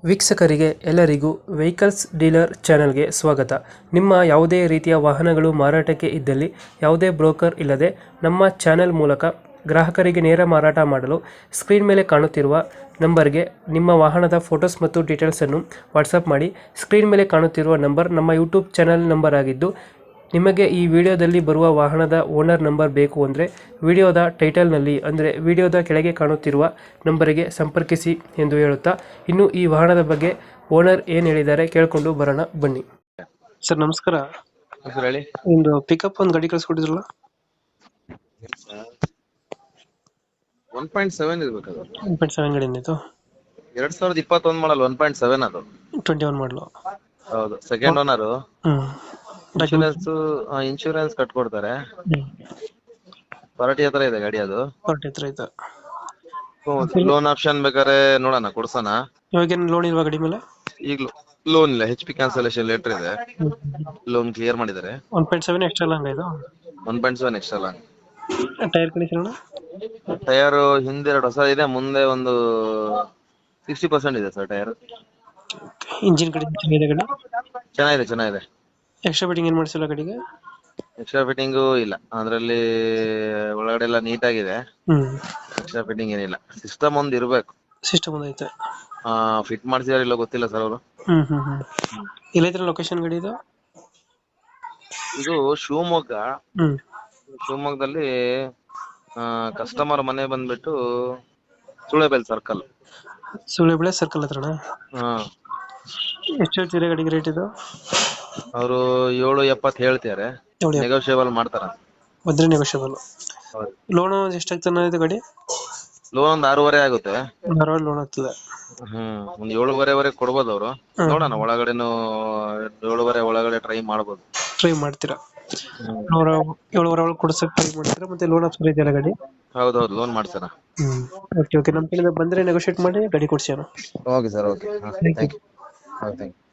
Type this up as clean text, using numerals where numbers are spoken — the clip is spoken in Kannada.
ವೀಕ್ಷಕರಿಗೆ ಎಲ್ಲರಿಗೂ ವೆಹಿಕಲ್ಸ್ ಡೀಲರ್ ಚಾನೆಲ್ಗೆ ಸ್ವಾಗತ. ನಿಮ್ಮ ಯಾವುದೇ ರೀತಿಯ ವಾಹನಗಳು ಮಾರಾಟಕ್ಕೆ ಇದ್ದಲ್ಲಿ ಯಾವುದೇ ಬ್ರೋಕರ್ ಇಲ್ಲದೆ ನಮ್ಮ ಚಾನೆಲ್ ಮೂಲಕ ಗ್ರಾಹಕರಿಗೆ ನೇರ ಮಾರಾಟ ಮಾಡಲು ಸ್ಕ್ರೀನ್ ಮೇಲೆ ಕಾಣುತ್ತಿರುವ ನಂಬರ್ಗೆ ನಿಮ್ಮ ವಾಹನದ ಫೋಟೋಸ್ ಮತ್ತು ಡೀಟೇಲ್ಸನ್ನು ವಾಟ್ಸಪ್ ಮಾಡಿ. ಸ್ಕ್ರೀನ್ ಮೇಲೆ ಕಾಣುತ್ತಿರುವ ನಂಬರ್ ನಮ್ಮ ಯೂಟ್ಯೂಬ್ ಚಾನೆಲ್ ನಂಬರ್ ಆಗಿದ್ದು, ನಿಮಗೆ ಈ ವಿಡಿಯೋದಲ್ಲಿ ಬರುವ ವಾಹನದ ಓನರ್ ನಂಬರ್ ಬೇಕು ಅಂದರೆ ವಿಡಿಯೋದ ಟೈಟಲ್ನಲ್ಲಿ ಅಂದರೆ ವಿಡಿಯೋದ ಕೆಳಗೆ ಕಾಣುತ್ತಿರುವ ನಂಬರಿಗೆ ಸಂಪರ್ಕಿಸಿ ಎಂದು ಹೇಳುತ್ತಾ, ಇನ್ನು ಈ ವಾಹನದ ಬಗ್ಗೆ ಓನರ್ ಏನು ಹೇಳಿದ್ದಾರೆ ಕೇಳಿಕೊಂಡು ಬರೋಣ ಬನ್ನಿ. ಸರ್ ನಮಸ್ಕಾರ. ಸರ್ ಹೇಳಿ. ಒಂದು ಪಿಕಪ್ ಒಂದು ಗಾಡಿ ಕಳಿಸ್ಕೊಟ್ಟಿದ್ರಲ್ಲ, 1.7 ಇರ್ಬೇಕು ಅದು. 1.7 ಗಾಡಿ ಏನಿತ್ತು? 2021 ಮಾಡಲ್ 1.7 ಅದು. 21 ಮಾಡಲು. ಹೌದು, ಸೆಕೆಂಡ್ ಓನರ್. ಇನ್ಶೂರೆನ್ಸ್ ಕಟ್ಕೊಡ್ತಾರೆ. ಪಾರ್ಟಿ ಹತ್ರ ಇದೆ ಗಾಡಿ ಅದು. ಪಾರ್ಟಿ ಹತ್ರ ಐತೆ. ಲೋನ್ ಆಪ್ಷನ್ ಬೇಕಾದ್ರೆ ನೋಡೋಣ, ಕೊಡ್ಸೋಣ. ಇವಾಗ ಲೋನ್ ಇಲ್ವಾ ಗಾಡಿ ಮೇಲೆ? ಈಗ ಲೋನ್ ಇಲ್ಲ, HP ಕ್ಯಾನ್ಸಲೇಷನ್ ಲೆಟರ್ ಇದೆ. ಲೋನ್ ಕ್ಲಿಯರ್ ಮಾಡಿದ್ದಾರೆ. 1.7 ಎಕ್ಸ್ಟ್ರಾ ಲಾಂಗ್ ಇದು. 1.7 extra long. Tyre condition? Tyre ಹಿಂದೆ 2 ಹೊಸ ಇದೆ, ಮುಂದೆ ಒಂದು 60% ಇದೆ ಸರ್ ಟೈರ್. ಇಂಜಿನ್ ಕಂಡೀಷನ್ ಚೆನ್ನಾಗಿದೆ ಗಾಡಿ? ಚೆನ್ನಾಗಿದೆ. ಎಕ್ಸ್ಟ್ರಾ ಫಿಟ್ಟಿಂಗ್ ಏನು ಮಾಡಿಸಿಲ್ಲ ಗಾಡಿಗೆ? ಎಕ್ಸ್ಟ್ರಾ ಫಿಟ್ಟಿಂಗು ಇಲ್ಲ, ಅದ್ರಲ್ಲಿ ಒಳಗಡೆ ಎಲ್ಲ ನೀಟ್ ಆಗಿದೆ. ಎಕ್ಸ್ಟ್ರಾ ಫಿಟ್ಟಿಂಗ್ ಏನಿಲ್ಲ. ಸಿಸ್ಟಮ್ ಒಂದ್ ಇರ್ಬೇಕು. ಸಿಸ್ಟಮ್ ಒಂದು ಐತೆ. ಫಿಟ್ ಮಾಡ್ಸಿದಾರ ಇಲ್ಲ ಗೊತ್ತಿಲ್ಲ ಸರ್ ಅವರು. ಎಲ್ಲೈತ್ರ ಲೊಕೇಶನ್ ಗಾಡಿ ಇದು? ಇದು ಶಿವಮೊಗ್ಗದಲ್ಲಿ ಕಸ್ಟಮರ್ ಮನೆ ಬಂದ್ಬಿಟ್ಟು ಸುಳೆಬೆಲ್ ಸರ್ಕಲ್. ಸುಳೆಬೆಲೆ ಸರ್ಕಲ್ ಹತ್ರನಾ? ಎಷ್ಟು ಹೇಳ್ತೀರಾ ಗಾಡಿಗೆ ರೇಟ್ ಇದು? ಅವರು 770 ಹೇಳ್ತಾರೆ, ನೆಗೋಷಿಯಬಲ್ ಮಾಡ್ತಾರ. ಬಂದ್ರೆ ನೆಗೋಷಿಯಬಲ್. ಲೋನ್ ಎಷ್ಟಾಗ್ತಾನೆ ಇದು ಗಾಡಿ? ಲೋನ್ ಒಂದು 6.5 ಆಗುತ್ತೆ. ಲೋನ್ ಆಗ್ತದೆ. ಒಂದ್ 7.5 ಕೊಡ್ಬೋದು ಅವರು. ನೋಡೋಣ, ಒಳಗಡೆನು 7.5 ಒಳಗಡೆ ಟ್ರೈ ಮಾಡ್ಬೋದು. ಟ್ರೈ ಮಾಡ್ತೀರಾ? 7.5 ಕೊಡ್ಸಕ್ ಟ್ರೈ ಮಾಡ್ತೀರಾ? ಮತ್ತೆ ಲೋನ್ ಆಪ್ಷನ್ ಇದೆಯಲ್ಲ ಗಾಡಿ? ಹೌದು, ಲೋನ್ ಮಾಡ್ತಾರ. ಓಕೆ, ನಮ್ಮ ಕಡೆಯಿಂದ ಬಂದ್ರೆ ನೆಗೋಷಿಯೇಟ್ ಮಾಡಿ ಗಾಡಿ ಕೊಡ್ಸಿ. Okay sir, okay. Thank you.